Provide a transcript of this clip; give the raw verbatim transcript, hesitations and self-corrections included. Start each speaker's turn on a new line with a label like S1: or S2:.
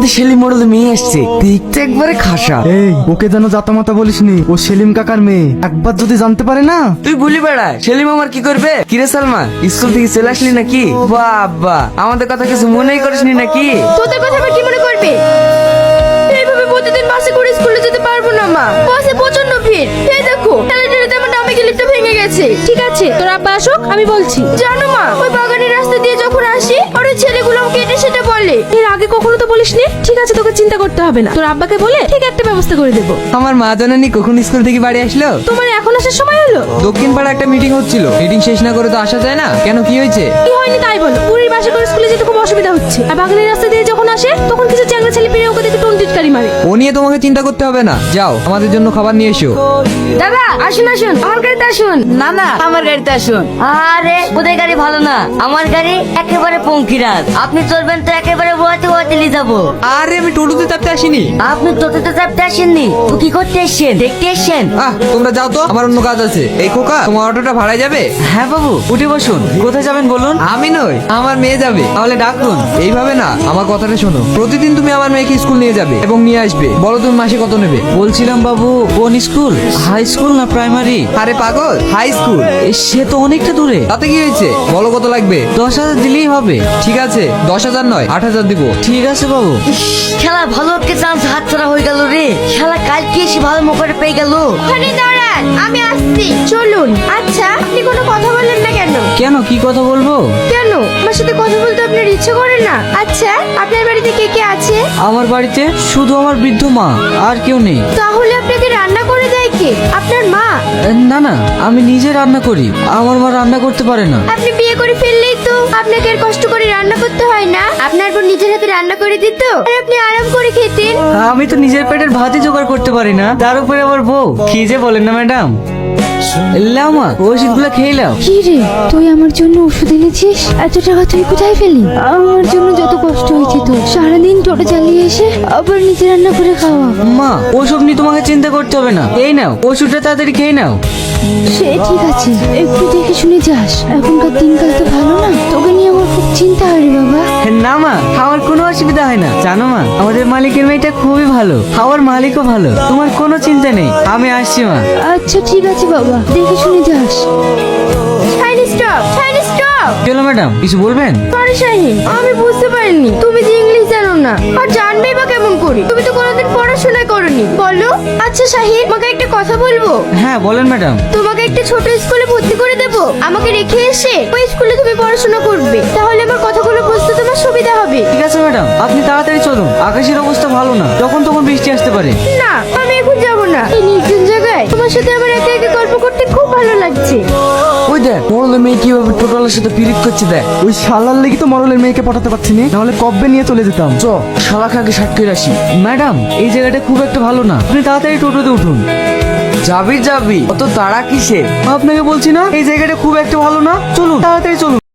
S1: সাথে সেলিম মোড়লে মেয়ে আসছে, দেখতে একবারে খাসা।
S2: এই ওকে যেন জাতামাতা বলিসনি, ও সেলিম কাকার মেয়ে। একবার যদি জানতে পারে না।
S1: তুই বলি বেড়া, সেলিম আমার কি করবে? কিরে সালমা, স্কুল থেকে চলে আসলি নাকি? বাবা, আমাদের কথা কিছু মনেই করিসনি নাকি?
S3: তোদের কথা আবার কি মনে করবে? এইভাবে প্রতিদিন বাসে করে স্কুলে যেতে পারবো না মা, বাসে প্রচন্ড ভিড়। এই দেখো ঠেলাঠেলিতে আমার ডামি গিলিটা ভেঙে গেছে। ঠিক আছে, তোর আব্বা আসুক, আমি বলছি। জানো মা, ওই বাগানের রাস্তা দিয়ে যখন আসি আর ওই ছেলেগুলো আমাকে এটা সেটা বলে। এর আগে কখনো তো বলিসনি। ঠিক আছে, তোকে চিন্তা করতে হবে না, তোর আব্বাকে বলে ঠিক একটা ব্যবস্থা করে দেবো।
S4: আমার মা জানানি কখন স্কুল থেকে বাড়ি আসলো?
S3: তোমার এখন আসার সময় হলো?
S4: দক্ষিণ পাড়া একটা মিটিং হচ্ছিল, মিটিং শেষ না করে তো আসা যায় না। কেন, কি হয়েছে?
S3: কি হয়নি তাই বলো। বুড়ির বাসে করে স্কুলে যেতে খুব অসুবিধা হচ্ছে, আর বাগানের রাস্তা দিয়ে যখন আসে তখন কিছু চ্যাংড়া ছেলে পেরে ওকে দেখে টোন টিটকারি মারে।
S4: ও নিয়ে তোমাকে চিন্তা করতে হবে না, যাও আমাদের জন্য খাবার নিয়ে এসো।
S3: দাদা আসুন আসুন, আমার গাড়িতে আসুন।
S5: না না, আমার গাড়িতে আসুন। আরে ওদের গাড়ি ভালো না, আমার গাড়ি একেবারে পঙ্কিরাজ। আপনি চলবেন তো একেবারে ওয়াতে ওয়াতে নিয়ে যাবো।
S4: আরে আমি টোটোতে চাপতে আসিনি।
S5: আপনি তোতে চাপতে আসেননি তো কি করতে এসছেন? দেখতে এসছেন?
S4: আহ তোমরা যাও তো, আমার অন্য কাজ আছে। এই খোকা, তোমার অটোটা ভাড়ায় যাবে?
S1: হ্যাঁ বাবু, উঠে বসুন। কোথায় যাবেন বলুন?
S4: আমি নই, আমার মেয়ে যাবে। তাহলে ডাকুন। এইভাবে না, আমার কথাটা শোনো। প্রতিদিন তুমি আমার মেয়েকে স্কুল নিয়ে যাবে এবং নিয়ে আসবে। বলো তুমি মাসে কত নেবে?
S1: বলছিলাম বাবু, কোন স্কুল? হাই স্কুল না প্রাইমারি?
S4: আরে পাগল, হাই স্কুল।
S1: সে তো অনেকটা দূরে।
S4: তাতে কি হয়েছে? বলো কত লাগবে।
S1: দশ হাজার দিলেই হবে।
S4: ঠিক আছে, দশ হাজার নয় আট হাজার দিব।
S1: ঠিক আছে বাবু।
S5: খেলা ভালো একটা চান্স হাত ছাড়া হয়ে গেল রে। খেলা কালকে এসে ভালো মোকারে পেয়ে গেল।
S3: ওখানে দাঁড়ান, আমি আসছি। চলুন। আচ্ছা, আপনি কোনো কথা বললেন না কেন?
S1: কেন, কি কথা বলবো?
S3: কেন আমার সাথে কথা বলতে আপনার ইচ্ছে করে না? আচ্ছা, আপনার বাড়িতে কে কে আছে?
S1: আমার বাড়িতে শুধু আমার বৃদ্ধ মা, আর কেউ নেই।
S3: তাহলে আপনাকে রান্না করে দেয় কে? আপনার মা?
S1: না না, আমি নিজে রান্না করি। আমার মা রান্না করতে পারে না।
S3: আপনি বিয়ে করে ফেললেই তো আপনাকে আর কষ্ট করে রান্না করতে হয় না। আপনার বোন নিজের হাতে রান্না করে দিত আর আপনি আরাম করে খেতেন।
S1: আমি তো নিজের পেটের ভাতই জোগাড় করতে পারি না, তার উপরে আমার বউ। কি যে বলেন না ম্যাডাম। লাও মা, ওষুধগুলো খেয়ে লাও।
S3: কি রে, তুই আমার জন্য ওষুধ এনেছিস? এত টাকা তুই কোথায় পেলি? আমার জন্য যত কষ্ট হয়েছে তোর, সারাদিন টোটো চালিয়ে এসে আবার নিজে রান্না করে খাওয়া।
S1: মা, ওসব নিয়ে তোমাকে চিন্তা করতে হবে না। এই নাও ওষুধটা, তাড়াতাড়ি খেয়ে নাও।
S3: সে ঠিক আছে, একটু দেখে শুনে যাস। এখনকার দিনকাল তো ভালো না, তোকে নিয়ে আমার খুব চিন্তা হয় রে বাবা।
S1: না মা, আমার কোনো অসুবিধা হয় না। জানো মা, আমাদের মালিকের মেয়েটা খুবই ভালো, আমার মালিকও ভালো। তোমার কোনো চিন্তা নেই, আমি আসছি মা।
S3: আচ্ছা ঠিক আছে বাবা, দেখে শুনে যাস। শাইন স্টপ, শাইন স্টপ।
S1: চলো ম্যাডাম, কিছু বলবেন?
S3: সরি শাহিন, আমি বুঝতে পারিনি তুমি যে ইংলিশ জানো না। আর জানবেই বা কেমন করি? তুমি তো কোনোদিন পড়াশোনা করনি। বলো। আচ্ছা শাহিন, তোমাকে একটা কথা বলবো।
S1: হ্যাঁ বলেন ম্যাডাম।
S3: তোমাকে একটা ছোট স্কুলে ভর্তি করে দেবো। আমাকে রেখে এসে ওই স্কুলে তুমি পড়াশোনা করবে, তাহলে আমার কথাগুলো বুঝতে তোমার সুবিধা হবে।
S1: ঠিক আছে ম্যাডাম, আপনি তাড়াতাড়ি চলুন। আকাশের অবস্থা ভালো না, যখন তখন বৃষ্টি আসতে পারে।
S3: না, আমি এখন যাবো না। এই নির্জন জায়গায় তোমার সাথে আমার একা একা গল্প করতে খুব ভালো লাগছে।
S1: ওই দেখ, মোড়লের মেয়ে কিভাবে টোটালের সাথে পিরিত করছে দেখ।
S2: ওই শালার লেগে তো মরলের মেয়েকে পাঠাতে পারছি না, নাহলে কবে নিয়ে চলে যেতাম।
S1: চ, শালা খাকে ষাট করে আসি। ম্যাডাম, এই জায়গাটা খুব একটা ভালো না, আপনি তাড়াতাড়ি টোটোতে উঠুন। যাবি যাবি, অত তাড়া কিসে? আপনাকে বলছি না, এই জায়গাটা খুব একটা ভালো না। চলুন, তাড়াতাড়ি চলুন।